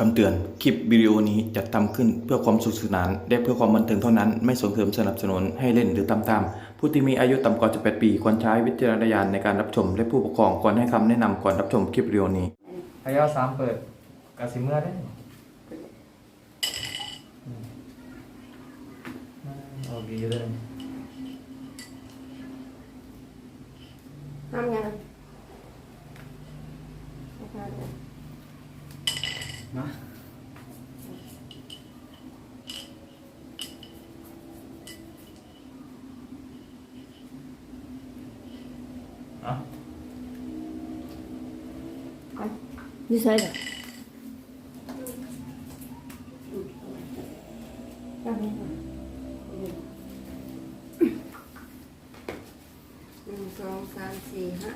คำเตือน คลิปวิดีโอนี้จัดทำขึ้นเพื่อความสนุกสนานและเพื่อความบันเทิงเท่านั้น ไม่ส่งเสริมสนับสนุนให้เล่นหรือตามตามผู้ที่มีอายุต่ำกว่า18 ปีควรใช้วิจารณญาณในการรับชมและผู้ปกครองควรให้คำแนะนำก่อนรับชมคลิปวิดีโอนี้พยาสามเปิดกาสิเมื่อได้โอเคเลยทำยังมา như thế này song san xì hả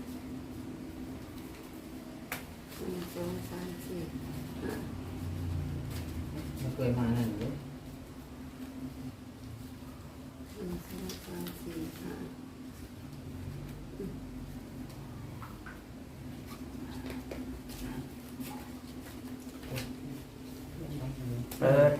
song san xì hả ไม่เคยมานั่นเลย song san xì hả เปิด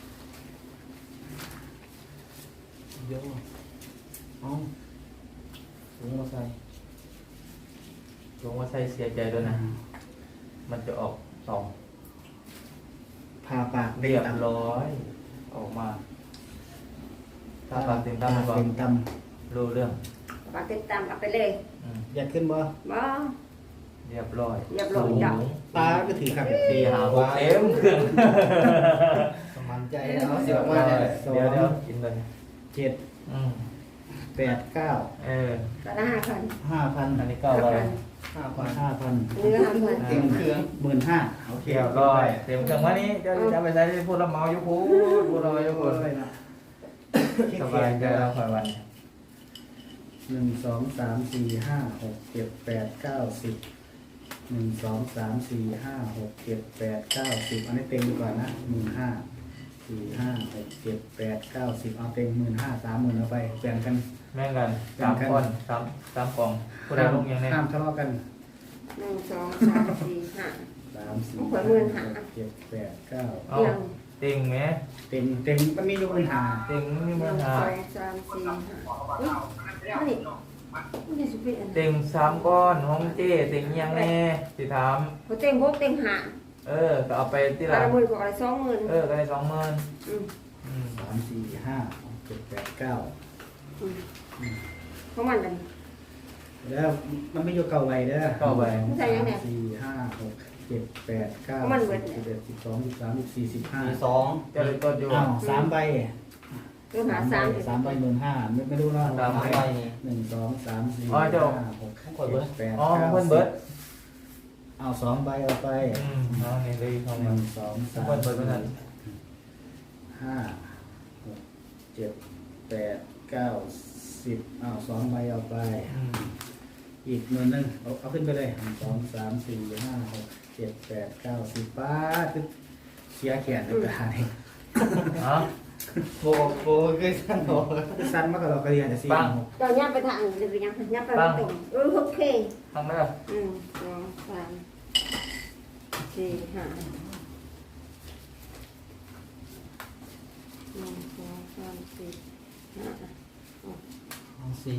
เยอะเอาถุงมาใส่ถุงมาใส่เสียใจด้วยนะ มันจะออกสองพาปากเรียบร้อยออกมาถ้าปากเต็มตั้มก็เต็มตรู้เรื่อง bà tiếp tam ậpไปเลยอยากขึ้นบ่บ่เรียบร้อยเรียบร้อยจ้ะตาก็ถือครับตีหาหกเต็มเครื่องสมันใจแล้วเสียว่าเนี่ยสอเดี๋ยวงกินเลยเจ็ดอืมแปดเก้าก็ละ5,000 5,000 อันนี้ก็เรา 5,000 เนื้อ5,000 เต็มเครื่อง15,000โอเคเรียบร้อยเต็มเครื่องวันนี้จะไปใช้พูดละเมาอยู่พูดละเมาอยู่พูดเลยนะสบายใจแล้วคอยวัน 1 2 3 4 5 6 7 8 9 10 1 2 3 4 5 6 7 8 9 10อันนี้เต็มก่อนนะ15,000 4 5 6 7 8 9 10เอาเต็ม15,000 30,000เอาไปแบ่งกันแม่งกัน3 คน3กล่องผู้ใดลงยังไงห้ามทะเลาะกัน 1 2 3 4 5 3 4 ขอ15,000 6 7 8 9 เอาติงไหมเต็มมันมีอยู่ปัญหาติงไม่มีปัญหา 1 2 3 4 5นี่นี่สุดเป็นติง3 ก้อนห้องเจ้ติงยังแน่สิถามพอเต็ม6เต็ม5 ก็เอาไปที่ละละ 10,000ก็ละ20,000 ก็ได้20,000 3 4 5 6 7 8 9 เพราะมันกันแล้วมันไม่อยู่เก่าไว้เด้อเข้าไปใส่ยังไง 4 5 6 7 8 9 มันเบิด 10 11 12 13 14 15 เจะเลยต้นอยู่อ้าว3ใบเรื่องหา3 3ใบ15,000ไม่รู้เนาะ 3 ใบนี่ 1 2 3 4 อ๋อ 5 เจ้า 6 7 8 อ๋อ 9 เพิ่นเบิด 10เอา2ใบเอาไปเอานี่เลยของ 1 มัน 2 3 เพิ่นเบิดเพิ่นนั่น 5 6 7 8 9 10เอา2ใบเอาไปอีก10,000เอาขึ้นไปเลย1 2 3 4 5 6 7 8 9 10ป้าคือเสียแขนในกระดาษนี่อ๋อโบคือสั้นโบสั้นมากกว่าเรากระเรียนแต่4 ปังตอนย่าไปทางหรือยังย่าไปตรงโอเคทางเด้อ 1 2 3 4 5 1 2 3 4 5 6 4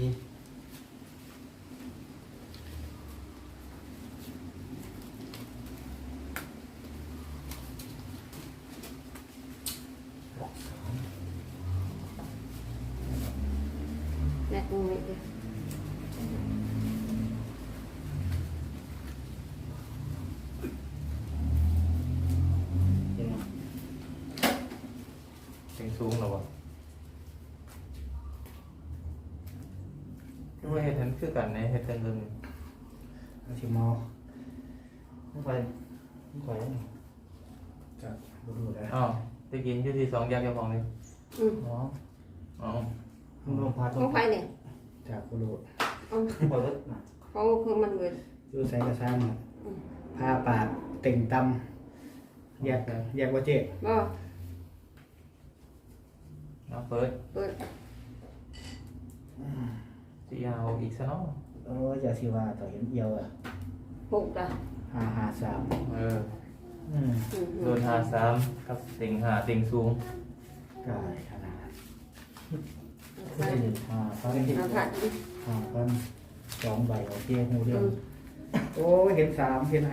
แม่กูไม่ได้ติงสูงหรอวะคือว่าเฮ็ดเห็นคือกันในเฮ็ดกันเรื่องเอาชิมอไม่ไปไม่ไปจากบุรุษแล้วอ๋อตะกินอยู่ที่2แยกเจ้าของเลยอ๋ออ๋อลงพัดของไฟเนี่ยจากบุรุษของคือมันเหมือนดูใส่กระซ้ำผ้าปาดเต่งตำแยกว่าเจ๊บ่เอาเปิดเปิดสิเอาอีกซะเนาะอย่าสิว่าต่อเห็นเอียวอ่ะผูกละ 553 เออ 1 โดนหาสามครับติงหาติงสูงกายขนาดใส่ห้าพันเอาผัดดิ 5,000 2 ใบโอเคหูเดียวโอ้ยเห็น3เห็น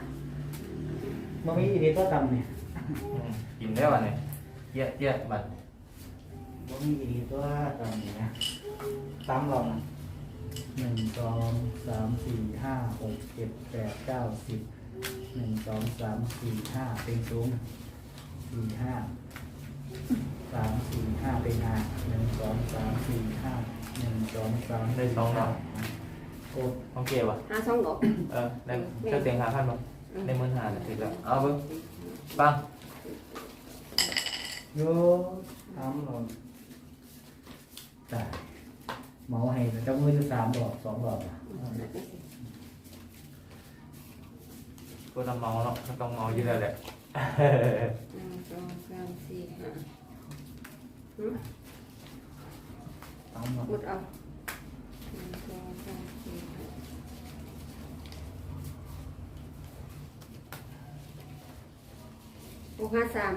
5มันมีอีกนิดก็ต่ำเนี่ยกินได้วันนี้เจี๊ยะเจี๊ยะบัดมันมีอีกนิดก็ต่ำเนี่ยต่ำลอง1 2 3 4 5 6 7 8 9 10 1 2 3 4 5เป็นสูง4 5 3 4 5เป็น1 2 3 4 5 1 2 3 ได้สองดอกกดโอเคป่ะหาสองดอกได้เจ้าเตียงหาพันป่ะได้หมื่นหาเนี่ยติดแล้วเอาเบิ้งปังโยทำหล่นจ่ายเมาให้เจ้ามือจะ3 ดอก 2 ดอกอ่ะก็ต้องเมาเนาะก็ต้องเมาอยู่แล้วแหละ 1 2 3 4 5 ทำหล่นหมดเอา1 2 3 4 5 6 5 3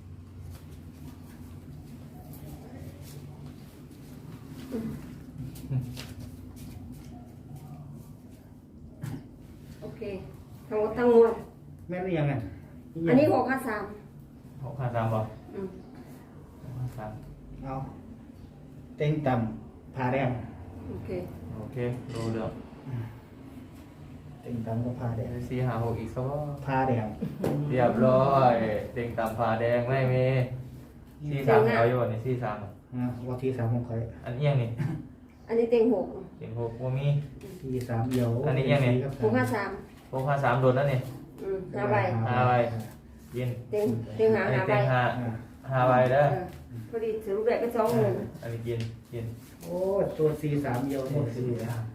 โอเคทั้งหมดทั้งมวลแม่นยังไงอันนี้6 5 3 หกห้าสามป่ะอืมหกห้าสามเอาเต็งต่ำพาแดงโอเคโอเครู้เรื่องเต็งต่ำก็พาแดงสี่หาหกอีกสักว่าพาแดงเรียบร้อยเต็งตามฟ้าแดงไม่มีสี่สามเอาอยู่นี่สี่สามนะวันที่3ของใครอันเอียงนี่อันนี้เต็ง6 เต็งหกว่ามีที่3เดียวอันนี้ยังไง 6 5 3 หกห้าสามโดนแล้วนี่ 5ใบห้าใบยินเต็งหาอันนี้ 5ใบเต็งห้าห้าใบเด้อพอดีสรุปได้ก็20,000 อันนี้กินกินโอ้ตัว4 3เดียวหมดคือ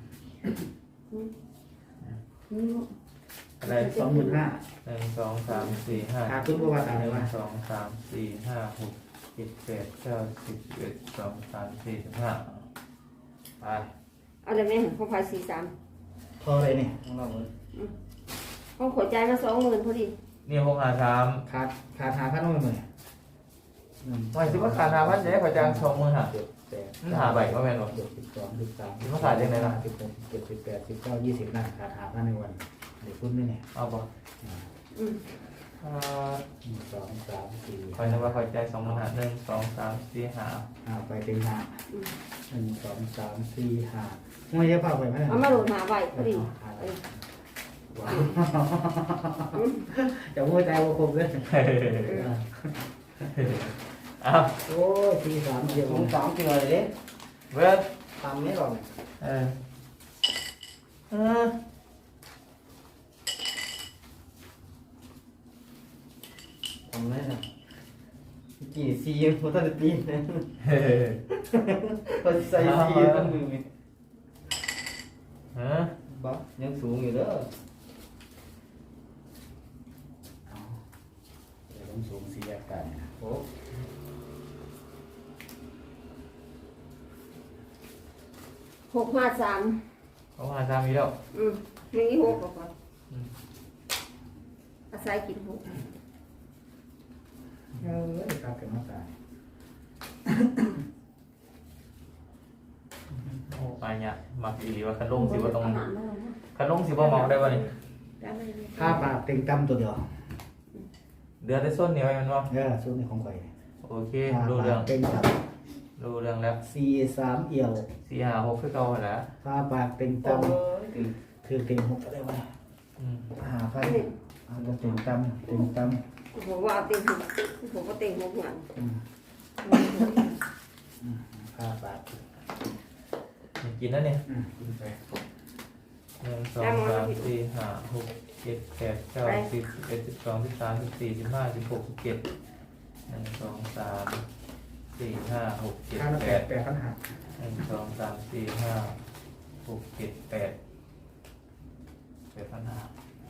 อะไร 25,000 1 2 3 4 5 ขาดทุนประวัติอะไรวะ 1 2 3 4 5 6 7 8 9 10 11 12 13 14 15ไปเอาได้ไหมเขาพายพอเลยเนี่ยของเราเลย 43เขาขอใจายมา20,000พอดีนี่หกห้าสามขาด5,000ต้องไปหมื่นไม่สิว่าขาด5,000จะได้ขอจ้าง20,000หา 7 มันหาใบก็แม่นบ่ 12 13 มันขาดยังไงล่ะ 16 17 18 19 20นะขาด5,000ในวันเดี๋ยวคุณไม่เนี่ยเอาบ่อืม 1 2 3 4 คอยนึกว่าคอยใจ20,000หา1 2 3 4 5 ไปเป็น5 อืม 1 2 3 4 5ไม่ใช่เปล่าไปไหมเอามาโหลดหาใบพอดีว้าวจะมือใจว่าคมเลยเอาโอ้ยที3เดียว cũng tóm cái người đấy เบิด tóm hết rồi เออเออ tóm hết rồi chỉ xì một thân pin này เฮ้ còn xây xì con người ฮะ bóc nhấc xuống người đó เดี๋ยวผมสูงสีแยกกัน ố 653 เขาหาสามอีกแล้วมี6ก็พออาศัยกิน6 เอ้ยครับเกิดมาตายโอ้ไปเนี่ยมักอีหลีว่าคันลงสิว่าต้องอาหารมาแล้วนะคันลงสิว่าเมาได้บ่นี่ได้ไหมถ้าปากเต็งตั้มตัวเดียวเดือดได้ส้นเหนียวไอ้มันบ่ชุดนี้ของข่อยโอเครู้เรื่องเต็งตับรู้เรื่องแล้ว 4 3เอี่ยว 4 5 6คือเก่าหั่นแหละถ้าปากเต็งตั้ม ôi thì คือเต็ง6ก็ได้วะอืม 5,000เอาจะเต็งตั้มเต็งตั้มผมว่าเอาเต็ง6ผมก็เต็ง6เหมือนถ้าปากกินแล้วเนี่ยกินไป 1 2 3 4 5 6 7 8 9 10 11 12 13 14 15 16 17 1 2 3 4 5 6 ถ้าเรา 7 แปด 8 ปัญหา 1 2 3 4 5 6 7 8 8,500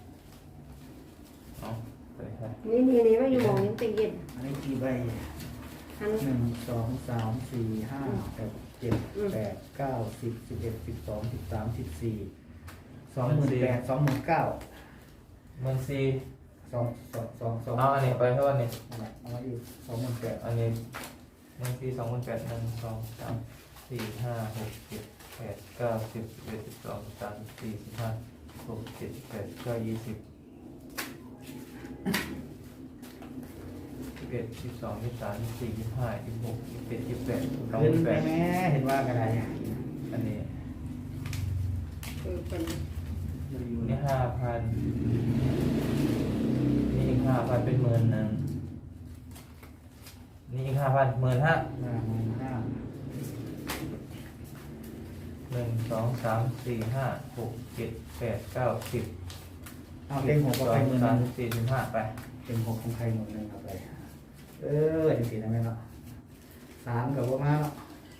เอาไปให้นี่ว่าอยู่หมองนี้เต็งเย็นอันนี้กี่ใบอัน 1 2 3 4 5 6 7 8 9 10 11 12 13 14 28,000 29,000 14,000 สองเอาอันนี้ไปเท่านี้เอามาอีก28,000 อันนี้หนึ่งสี่สองหมื่นแปดหนึ่งสองสามสี่ห้าหกเจ็ดแปดเก้าสิบสิบเอ็ดสิบสองสิบสามสิบสี่สิบห้าหกเจ็ดแปดเก้า20 11 12 13 14 15 16 17 18 ขึ้นไป 28 แม่เห็นว่ากันไรอันนี้เป็นนี่5,000นี่อีก5,000เป็น10,000นี่อีก5,000 15,000 5,500 1 2 3 4 5 6 7 8 9 10 เอาเต็ง6ก็ไป 12 13 14 15ไปเต็ง6ของใครหมดเลยเอาไปจริงๆนะแม่เนาะ3กับว่ามาเนาะ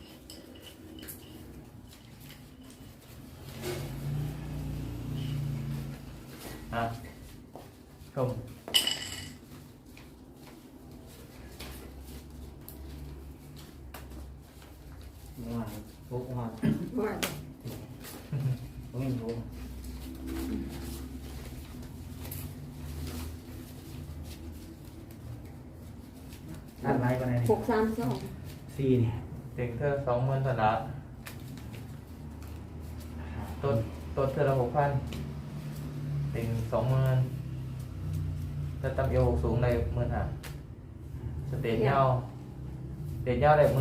อ่ะชมว่าพวกว่าว่าผมไม่รู้ด้านไลน์กันไหน 632 4นี่เต็งเธอ20,000สนะต้นเธอละ6,000เต็ง20,000ถ้าตั้มเอวสูงได้15,000สเตจยาวได้18,000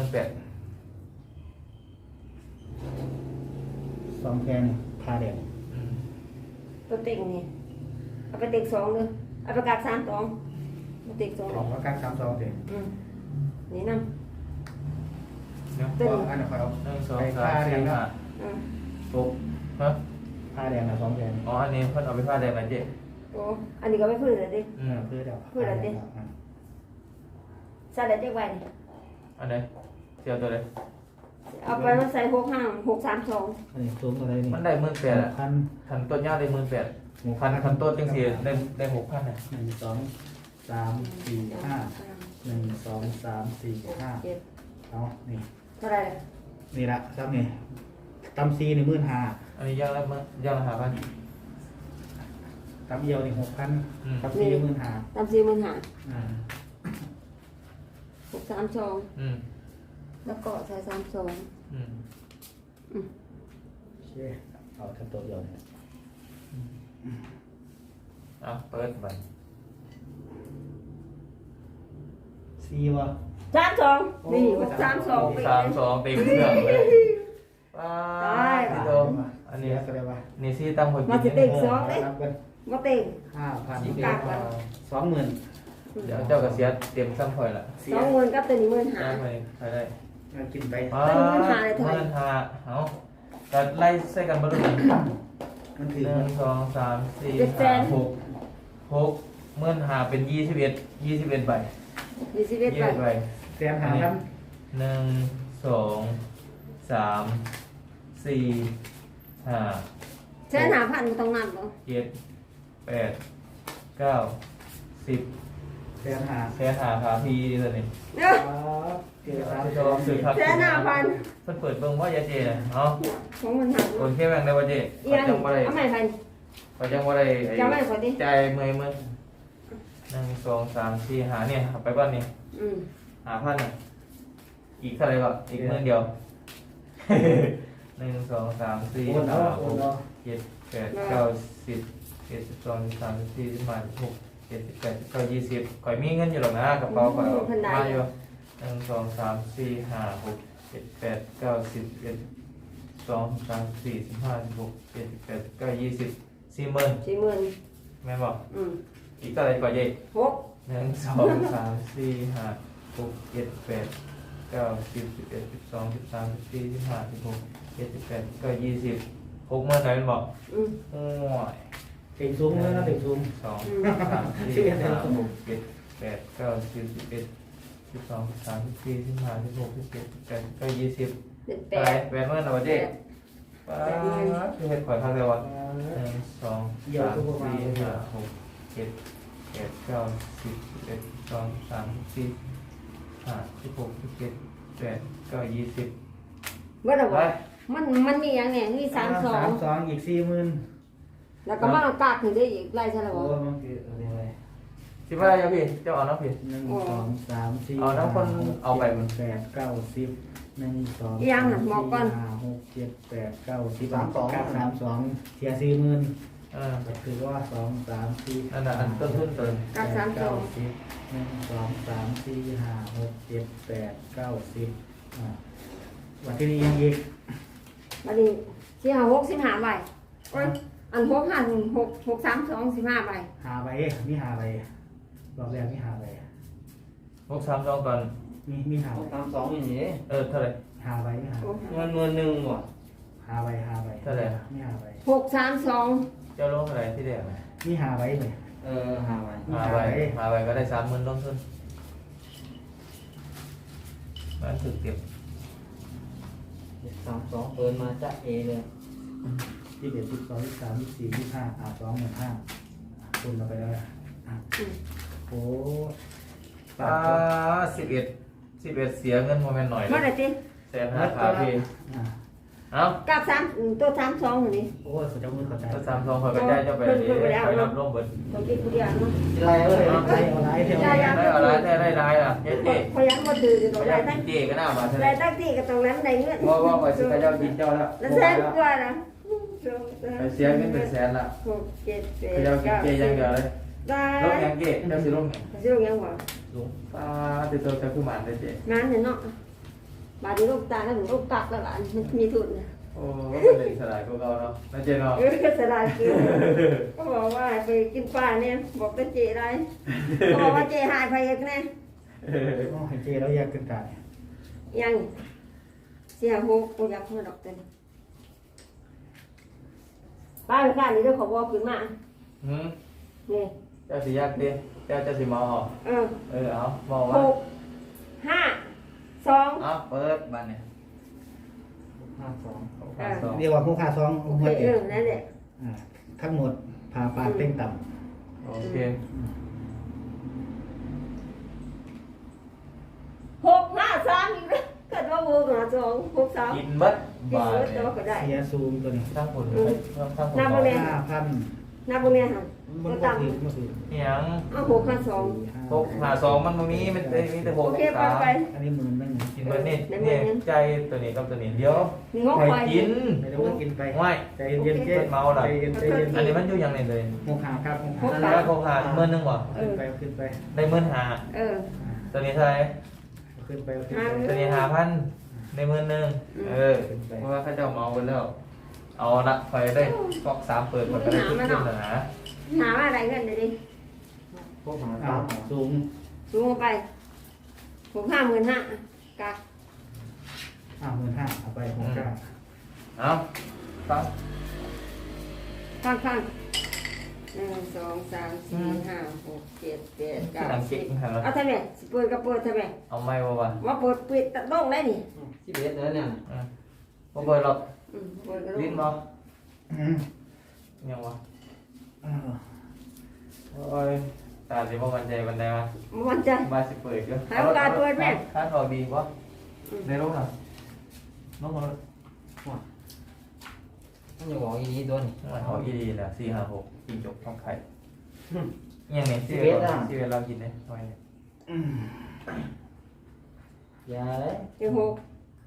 2แพนพาแดงตัวเต็งนี่เอาไปเต็ง2เลยเอาไปกาก3 2มาเต็ง2 ของแล้วกัน32เต็งนี่นำเนาะเต็งอันนี้คอยเอา 1 2 3 4 5 6ฮะผ้าแดงนะ2แพนอ๋ออันนี้เพิ่นเอาไปผ้าแดงมาเจ๊โอ้อันนี้ก็ไม่พื้นเลยดิเพื่อเดี๋ยวใส่ได้จักใบนี่อันไหนเสียวตัวเลยเอาไปมาใส่632 อันนี้ซุ้มอะไรนี่มันได้18,000อ่ะพันคันต้นยาวได้18,000คันต้นจังซี่ได้6,000น่ะ 1 2 3 4 5 1 2 3 4 5 7 เอานี่เท่าไหร่ล่ะนี่ละครับนี่ตำซีนี่15,000 อันนี้ย่างละ5,000 ตำเอียวนี่6,000ตำซี15,000 ตาม45,000 อ่า 632 อืมแล้วก็ใส่32 อืมโอเคเอาทั้งตัวเดียวเนี่ยเอาเปิดบันซีวะ 32นี่632ไปเลย 32เต็มเครื่องเลยว้าได้พี่โตอันนี้ก็ได้ว่านี่ซี่ตั้งหัวมากิสินเต็งรับกันบ่เต็ง 5,000 นี่กากแล้ว 20,000 เดี๋ยวเจ้าก็เสียเต็มซ้ำข่อยละ 20,000กับตัวนี้ได้ 15,000 ไหมใครได้กินไปว้าเอาก็ไล่ใส่กันบ่รู้มันถือ 1 2 3 4 5 6เมื่อหาเป็น21ใบ 21 ใบแสนหาครับ 1 2 3 4 5 ใช้5,000ต้องนับบ่ 7 8 9 10 แสนหาแค่หาขาพีดีเลยนี่เด้อเกี่ยวกับชอบสื่อครับแค่5,000 เพิ่นเปิดเบิ่งว่าจะเจน่ะเนาะของมันหักโอนแค่แบ่งได้ว่าเจอีขออันจังบ่ได้เอาใหม่พันขอจังบ่ได้ไอ้จำไว้ขอดิใจายเมื่อย1 2 3 4 5เนี่ยเอาไปบ้านนี่ 5,000น่ะอีกเท่าไหร่ก็อีก10,000เดียว 1 2 3 4 โอนเอา 5 โอนเอา 6 7 8 9 10 11 12 13 14 15 16 17 18 19 20ข่อยมีเงินอยู่หรอกนะกระเป๋าข่อยเอามาอยู่1 2 3 4 5 6 7 8 9 10 11 12 13 14 15 16 17 18 19 20 40,000 40,000 แม่นบอกอีกเท่าไหร่ก่อนเย่ 6 1 2 3 4 5 6 7 8 9 10 11 12 13 14 15 16 17 18 19 20 60,000ไหนแม่นบอกโอ้ยเต็งซุ้มแล้วนะเต็งซุ้ม 2 3 4 5 6 7 8 9 10 11 12 13 14 15 16 17 18 19 20 เป็นไปแหวนเมื่อไหร่วะเจ๊ป้าคือเห็ดข่อยพักเลยวะ1 2 3 4 5 6 7 8 9 10 11 12 13 14 15 16 17 18 19 20 ว่าแต่ไปว่ามันมีอย่างไงมี32 32อีก40,000 แล้วก็มากากถึงได้อีกไล่ใช่ไหมโอ้บ่มันคืออะไรสิบอะไรยังพี่เจ้าเอาน้ำพี่หนึ่งสองสามสี่เอาน้ำคนเอาไปมันแปดเก้าสิบหนึ่งสองยังน่ะบอกก่อนห้าหกเจ็ดแปดเก้าสิบ3 2เสีย40,000ก็คือว่า2 3 4 นั่นน่ะอันต้นทุนตัวกักสามสอง 10 1 2 3 4 5 6 7 8 9 10วันที่นี้ยังอีกบัดนี้สิหา65ใบโอ้ยอัน6 5 6 6 3 2 15ใบหาใบมีหาใบรอบแรกมีหาใบ 632ก่อนมีหาหใบกสามสองอย่างนี้เท่าไหร่หาใบมีหาโอ้เงินหนึ่งว่ะหาใบมีหาใบ 6 3 2 เจ้าลงเท่าไหร่ที่แดงมีหาใบเลยหาไว้หาไปก็ได้30,000ลงทุนมันถึกเก็บสามสองเปิดมาจะเอเลย 11 12 13 14 15 25,000คุณเราไปแล้วโอ้ 11เสียเงินโมเมนต์หน่อยเท่าไหร่ติแสนห้าขาพี่เอ้ากัก3ตัว32อยู่นี่โอ้สุดยอดมือเข้าใจถ้า32คอยก็ได้เจ้าไปดีคอยรับร่วมเบิดตัวที่กูเรียนเนาะอะไรเอ้ยเอาไรเที่ยวได้อะไรได้อ่ะเจ๊พยังบ่ถือตัวได้ทั้งเจ๊ก็น่ามาใช่ไหมได้ทั้งที่ก็ตรงนั้นได้เงินว่าไปสิเจ้ากินเจ้าแล้วแล้วแสนกว่านะไปเสียเงินเป็นแสนละ 6 7 เจ้ากิน 8 เจ๊ยังเดียวเลยได้ลงยังเจ๊เจ้าสิลงสิลงยังบ่ลงป้าติดตัวจะขึ้นมาได้เจ๊งานเนี่ยเนาะบาดนี้ลูกตาแล้วถึงลูกกักแล้วล่ะมันมีทุนโอ้ก็เป็นเด็กสลายพวกเราเนาะนะเจ๊เนาะสลายคือก็บอกว่าไปกินปลาเนี่ยบอกเป็นเจไรก็บอกว่าเจหายไปอีกแน่โอ้ยเจแล้วอยากขึ้นตายยังเสียหกกูอยากมาดอกเต็มป้าไปข้านี่เดี๋ยวขอบอกขึ้นมาหืมนี่เจ้าสิยากดิเจ้าสิมาออก เอาบอกหว่าก 5 2 เอาเปิดบ้านเนี่ย 52 เรียกว่าผู้พาซองโอหัวเคเจ็บนั่นแหละทั้งหมดพาปลาเต้งต่โอเค 6 5 3อีกแล้วเกิดว่าโบกนะ2 6 3 กินบัดกินบาทเบิดเนี่แต่ยว่าก็ได้ำเสียซูมตัวนี้ทั้งผลทั้งผลน้ำบ่แม่ 5,000 นับพวกเนี้ยค่ะมันก็ก็ต่ถือมาถือเนี่ยำเอา6 5 2 652มันมีมันมีแต่โอเคไปไป 6 อันนี้หมื่นนึงกินเบิดนี่เนี่ยใจตัวนี้กับตัวนี้เดี๋ยวนี่งอกไปไปกินไม่ได้ว่ากินไปไม่ใจเย็นๆเจ๊ใจเย็นใจเย็นอันนี้มันอยู่อย่างนี้เลยหกหาครับหกหกหาแล้วเขาหาเมื่อนึงวะขึ้นไปขึ้นไปได้เมื่อหาเออตัวนี้เท่าไหร่ขึ้นไปขึ้นตัวนี้5,000ในมื้อนึงเพราะว่าเขาเจ้าเมาไปแล้ว เอาละไฟได้ก๊อก3เปิดมันก็ได้ขึ้นแล้วนะหาว่าอะไรเงินเดี๋ยวนี้พวกหาอ้าสาว มสูงสูงลงไป6 55,000กัก 15,000เอาไป6,900 เอาฟังข้าง1 2 3 4 5 6 7 8 ที่หนัง 9 เก่งหัน 10เอาทำไมสิเปิดก็เปิดทำไมเอาไม่บ่วะว่าเปิดปิดตัดบ้องได้นี่ที่เบสแล้วเนี่ยบ่เปิดหรอกเปิดก็ลิ้นลบ่งยังวะโอ้ยตาสิบ่มั่นใจปานใดวะมันจะมาสิเปิดก็ให้โอกาสเปิดแม่ค่าทอดีบ่ในรูปน่ะน้องมันมันอยู่บอกอีนี้ตัวนี้มันเอาอีดีแหละ456กินจบท้องไข่ยังไงที่เวลากินเนี่ยไว้เนี่ยอย่าเลยเต็งหก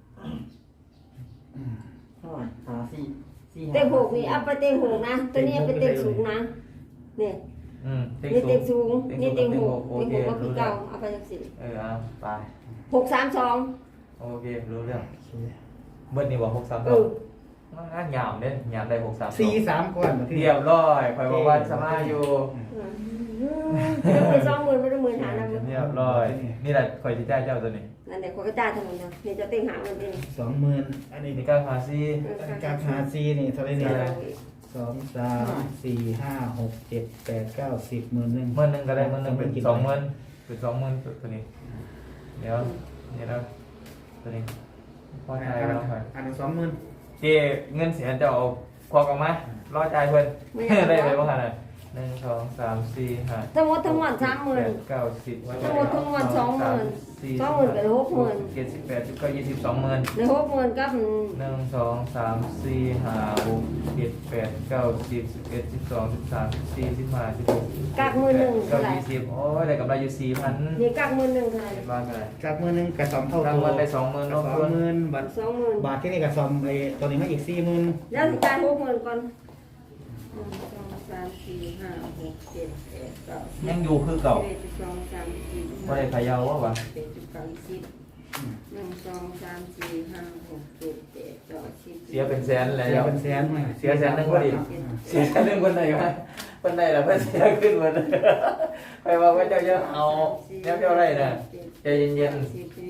หาสี่เต็งหกนี่เอาไปเต็งหกนะตัวนี้เอาไปเต็งสูงนะเนี่ยเต็งนี่สูเต็งงสูงนี่เต็งหกโอเต็งเคหกก็คือรู้เก่าเรื่องเอาไปจังสิเอาไป 6 3 2 โอเครู้เรื่องเบิ้ลนี่บอก632หยามเด้หยามได้632 4-3ก่อนมาที่เรียบร้อยคอยบอกว่าสมาอยู่ไม่ได้20,000ไม่ได้10,000หานะเรียบร้อยนี่แหละคอยที่ได้เจ้าตัวนี้นั่นแหละคนก็จ่ายทั้งหมดนะนี่จะเต็งหาเงินเอง 20,000อันนี้นี่ก็หาซีการหาซีนี่เท่าไหร่เนี่ย2 3 4 5 6 7 8 9 10 10,000นึงเมื่อนึงก็ได้เมื่อนึงเป็น20,000เป็น20,000ตัวนี้เดี๋ยวนี่แล้วตัวนี้พอใจแล้วไปอันนี้20,000 เจเงินเสียจะเอาควักออกมารอจ่ายเพิ่นได้ไปบ้างขนาดหนึ่งสองสามสี่ห้าทั้งหมดทั้งมวล30,000 เก้าสิบทั้งหมดทั้งมวล20,000 20,000กับ60,000 เจ็ดสิบแปดสิบเก้ายี่สิบ20,000 ใน60,000กับหนึ่งสองสามสี่ห้าหกเจ็ดแปดเก้าสิบ11 12 13 14 15 16 กากมือหนึ่งเก้าเท่าไหร่ 20โอ้ยได้กำไรอยู่4,000 นี่กากมือหนึ่งเท่าไหร่เห็นบ้างไงจากมือหนึงกับสองเท่าตั้งตัวเงินได้20,000 สลองงทุนหมื่นบาท 20,000 บาทที่นี่กับซอมไอ้ตัวนี้มาอีก40,000 แล้วสิจ่าย60,000ก่อน1 2 3 4 5 6 7 8 9 ยังอยู่คือเก่า 11 12 13 ไม่ได้พะเยาววะ 14 15 16 1 2 3 4 5 6 7 8 9 10 เสียเป็นแสนแล้เสียว เป็นแสนไหมเสียแสนหนึ่งพอดี เสียเรื่องคนไหนวะคนไหนล่ะเพื่อนเสียขึ้นหมดไปว่าเจ้าเยอะเอาแนวเท่าไรน่ะใจเย็น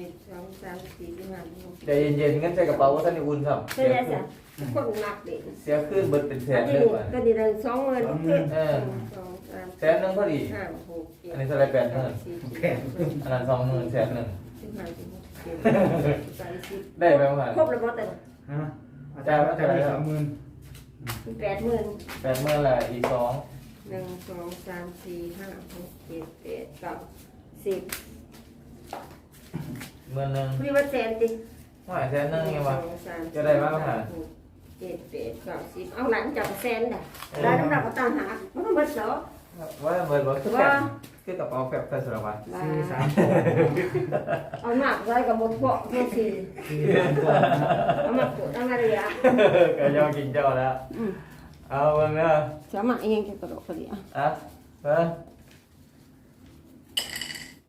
ๆใจเย็นๆงั้นใส่กระเป๋าว่าท่านอุ่นครับใช่ไหมจ๊ะคนหนักเด็กเสียขึ้นเบิดเป็นแสอันนเลนี้ยว่ะก็ดีเลย20,000 เออ แสนหนึ่งพอดี 5 6 7 อันนี้เท่าไร8,000 แพงอันนั้น20,000แสนหนึ่ง 15 ได้ไหมวะครบแล้วบ่แต่ฮะอาจารย์ว่าจะมี20,000 80,000 80,000ละอีก2 1 2 3 4 5 6 7 8 9 10 หมื่นหนึ่งพี่ว่าแสนติว่าแสนหนึ่งยังวะ 1 2 3 จะได้บ้างหา 7 8 9 10เอาหลังจากแสนได้ได้น้ำหนักก็ต่างหากมันก็เบิดเนาะว่าเบิดบ่คือแบบคือกระเป๋าแบบแต่สารวัตรว่า 4 เอาหนักไว้กับหมดพวกเพื่อสิ 3 เอามาปวดเอามาเลยอ่ะก็ยอมกินเจ้าแล้วเอาเบิ่งเด้อสามัครเองจะกระโดดกระเดียอ่ะเบิ่ง